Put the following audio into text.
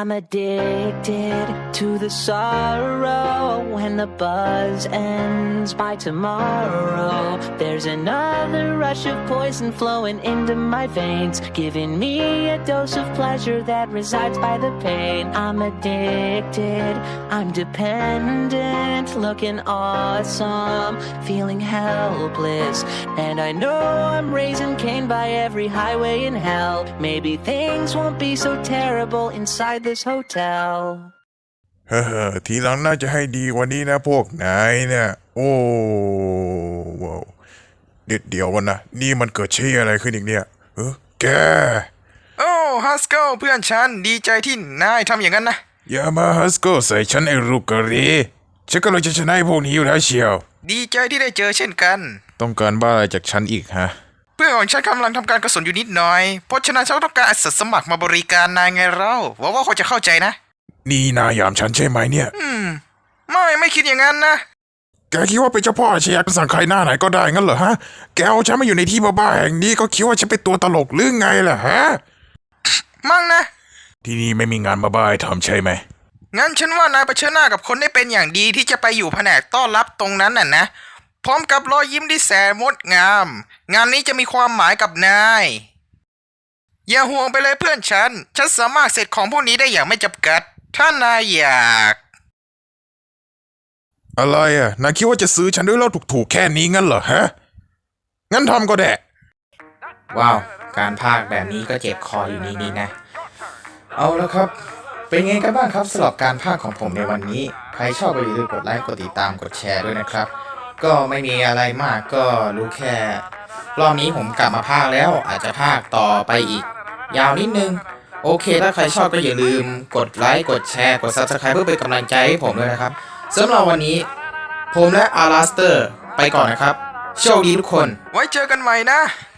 I'm addicted to the sorrow. When the buzz ends by tomorrow, there's another rush of poison flowing into my veins, giving me a dose of pleasure that resides by the pain. I'm addicted, I'm dependent, looking awesome, feeling helpless, and I know I'm raising Cain by every highway in hell. Maybe things won't be so terrible inside this hotel. เฮ้อทีหลังน่าจะให้ดีกว่านี้นะพวกนายเนี่ยโอ้ว้าวเดี๋ยววันนะนี่มันเกิดเชี่ยอะไรขึ้นอีกเนี่ยแกโอ้ฮัสโกเพื่อนฉันดีใจที่นายทำอย่างนั้นนะอย่ามาฮัสโกใส่ฉันไอ้ลูกกะหรี่ฉันก็เลยจะชนะพวกนี้อยู่แล้วเชียวดีใจที่ได้เจอเช่นกันต้องการบ้าอะไรจากฉันอีกฮะเพื่อนของฉันกำลังทำการกระสุนอยู่นิดหน่อยเพราะฉะนั้นฉันต้องการอาสาสมัครมาบริการนายไงเราหวังว่าเขาจะเข้าใจนะนี่นายยามฉันใช่ไหมเนี่ยไม่คิดอย่างนั้นนะแกคิดว่าเป็นเจ้าพ่ออาชญากรรมสั่งใครหน้าไหนก็ได้งั้นเหรอฮะแกเอาฉันมาอยู่ในที่บ้าๆแห่งนี้ก็คิดว่าฉันเป็นตัวตลกหรือไงล่ะฮะมั่งนะที่นี่ไม่มีงานบ้าๆให้ทำใช่ไหมงั้นฉันว่านายเผชิญหน้ากับคนได้เป็นอย่างดีที่จะไปอยู่แผนกต้อนรับตรงนั้นน่ะนะพร้อมกับรอยยิ้มที่แสนงดงามงานนี้จะมีความหมายกับนายอย่าห่วงไปเลยเพื่อนฉันสามารถเสร็จของพวกนี้ได้อย่างไม่จำกัดถ้านายอยากอะไรอ่ะนายคิดว่าจะซื้อฉันด้วยเหล้าถูกๆแค่นี้งั้นเหรอฮะงั้นทำก็ได้ว้าวการพากย์แบบนี้ก็เจ็บคออยู่นี่นะเอาแล้วครับเป็นไงกันบ้างครับสำหรับการพากย์ของผมในวันนี้ใครชอบก็อย่าลืมกดไลค์กดติดตามกดแชร์ด้วยนะครับก็ไม่มีอะไรมากก็รู้แค่รอบนี้ผมกลับมาพากย์แล้วอาจจะพากย์ต่อไปอีกยาวนิดนึงโอเคถ้าใครชอบก็อย่าลืมกดไลค์กดแชร์กด Subscribe เพื่อเป็นกำลังใจให้ผมด้วยนะครับสำหรับวันนี้ผมและอาราสเตอร์ไปก่อนนะครับโชคดีทุกคนไว้เจอกันใหม่นะ